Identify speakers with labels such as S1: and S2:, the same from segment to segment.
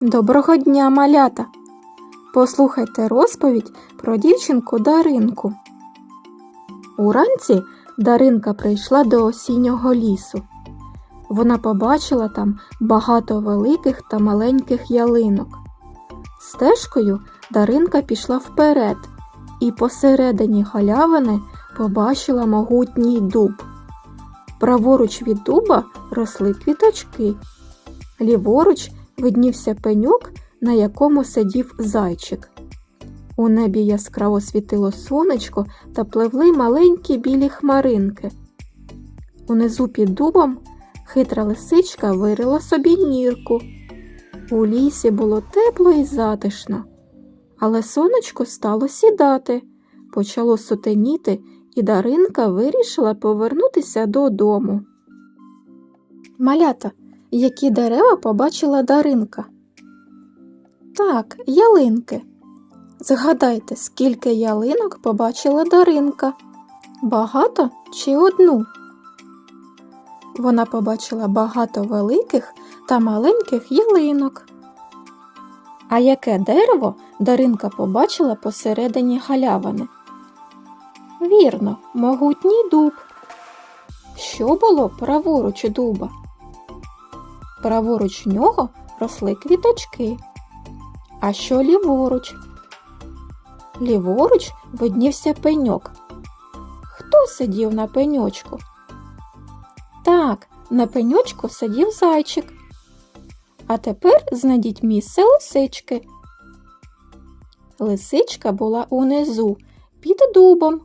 S1: Доброго дня, малята! Послухайте розповідь про дівчинку Даринку. Уранці Даринка прийшла до осіннього лісу. Вона побачила там багато великих та маленьких ялинок. Стежкою Даринка пішла вперед і посередині галявини побачила могутній дуб. Праворуч від дуба росли квіточки. Ліворуч виднівся пеньок, на якому сидів зайчик. У небі яскраво світило сонечко та пливли маленькі білі хмаринки. Унизу під дубом хитра лисичка вирила собі нірку. У лісі було тепло і затишно. Але сонечко стало сідати, почало сутеніти, і Даринка вирішила повернутися додому. Малята, які дерева побачила Даринка? Так, ялинки. Згадайте, скільки ялинок побачила Даринка? Багато чи одну? Вона побачила багато великих та маленьких ялинок. А яке дерево Даринка побачила посередині галявини? Вірно, могутній дуб. Що було праворуч дуба? Праворуч нього росли квіточки. А що ліворуч? Ліворуч виднівся пеньок. Хто сидів на пеньочку? Так, на пеньочку сидів зайчик. А тепер знайдіть місце лисички. Лисичка була унизу, під дубом.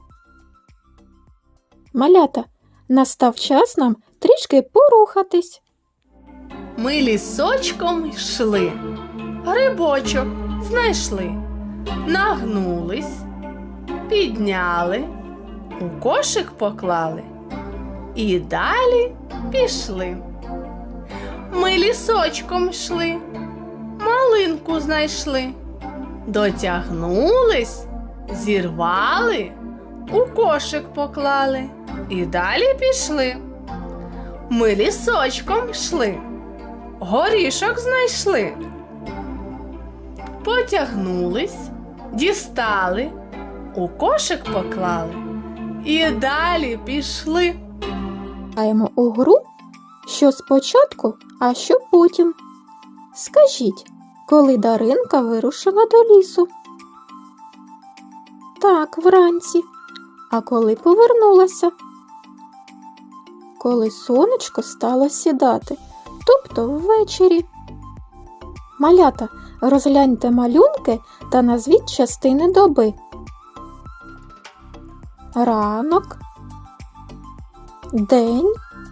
S1: Малята, настав час нам трішки порухатись.
S2: Ми лісочком йшли, грибочок знайшли, нагнулись, підняли, у кошик поклали і далі пішли. Ми лісочком йшли, малинку знайшли, дотягнулись, зірвали, у кошик поклали і далі пішли. Ми лісочком йшли, горішок знайшли, потягнулись, дістали, у кошик поклали і далі пішли.
S1: Граємо у гру, що спочатку, а що потім. Скажіть, коли Даринка вирушила до лісу? Так, вранці. А коли повернулася? Коли сонечко стало сідати, тобто ввечері. Малята, розгляньте малюнки та назвіть частини доби. Ранок, день,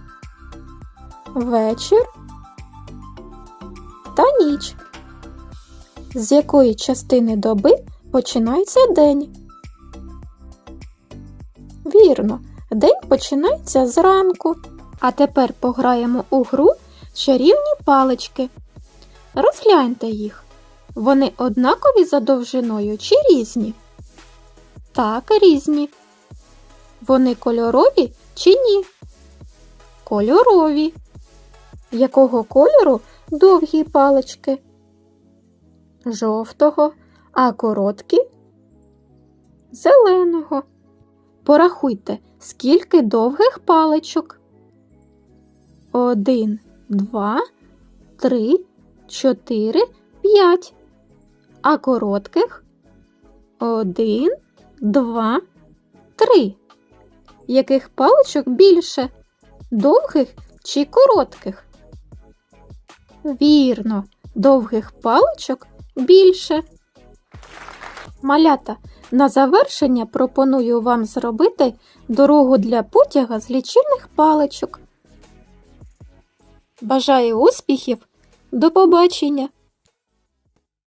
S1: вечір та ніч. З якої частини доби починається день? Вірно, день починається зранку. А тепер пограємо у гру чарівні палички. Розгляньте їх. Вони однакові за довжиною чи різні? Так, різні. Вони кольорові чи ні? Кольорові. Якого кольору довгі палички? Жовтого. А короткі? Зеленого. Порахуйте, скільки довгих паличок. 1, 2, 3, 4, 5. А коротких? 1, 2, 3. Яких паличок більше? Довгих чи коротких? Вірно, довгих паличок більше. Малята, на завершення пропоную вам зробити дорогу для потяга з лічильних паличок. Бажаю успіхів! До побачення!